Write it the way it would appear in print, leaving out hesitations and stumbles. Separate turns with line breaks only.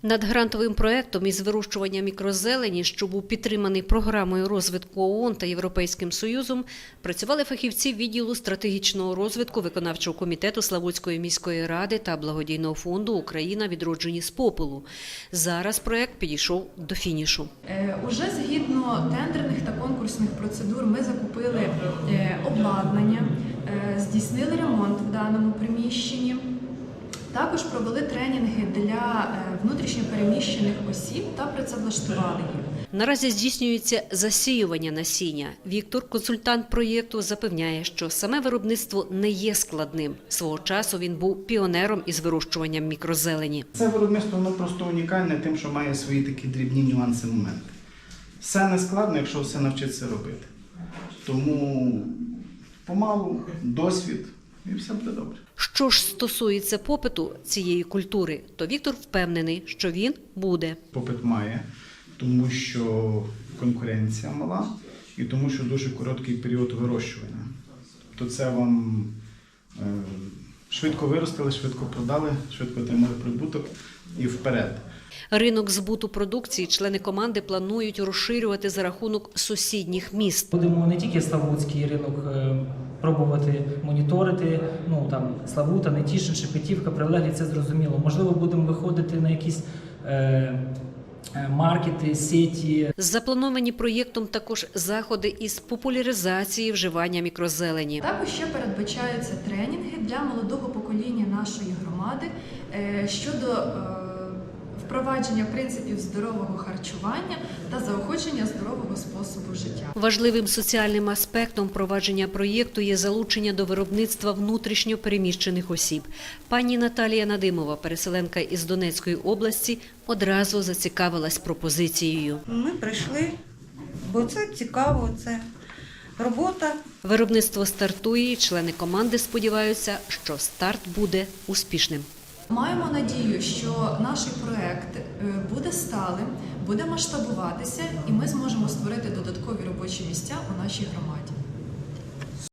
Над грантовим проєктом із вирощування мікрозелені, що був підтриманий програмою розвитку ООН та Європейським Союзом, працювали фахівці відділу стратегічного розвитку виконавчого комітету Славутської міської ради та благодійного фонду «Україна. Відроджені з попелу». Зараз проєкт підійшов до фінішу.
Уже згідно тендерних та конкурсних процедур ми закупили обладнання, здійснили ремонт в даному приміщенні. Також провели тренінги для внутрішньопереміщених осіб та працевлаштували їх.
Наразі здійснюється засіювання насіння. Віктор, консультант проєкту, запевняє, що саме виробництво не є складним. Свого часу він був піонером із вирощуванням мікрозелені.
Це виробництво воно просто унікальне тим, що має свої такі дрібні нюанси, моменти. Все не складно, якщо все навчитися робити. Тому помалу, досвід і все буде добре.
Що ж стосується попиту цієї культури, то Віктор впевнений, що він буде.
Попит має, тому що конкуренція мала і тому, що дуже короткий період вирощування. То це вам швидко виростили, швидко продали, швидко отримали прибуток і вперед.
Ринок збуту продукції члени команди планують розширювати за рахунок сусідніх міст.
Будемо не тільки Славутський ринок пробувати моніторити, Славута, Нетішин, Шепетівка, Прилеглі, це зрозуміло. Можливо, будемо виходити на якісь маркети, сеті.
Заплановані проєктом також заходи із популяризації вживання мікрозелені.
Також ще передбачаються тренінги для молодого покоління нашої громади щодо впровадження принципів здорового харчування та заохочення здорового способу життя.
Важливим соціальним аспектом впровадження проєкту є залучення до виробництва внутрішньо переміщених осіб. Пані Наталія Надимова, переселенка із Донецької області, одразу зацікавилась пропозицією.
Ми прийшли, бо це цікаво, це робота.
Виробництво стартує, і члени команди сподіваються, що старт буде успішним.
Маємо надію, що наш проект буде сталим, буде масштабуватися і ми зможемо створити додаткові робочі місця у нашій громаді.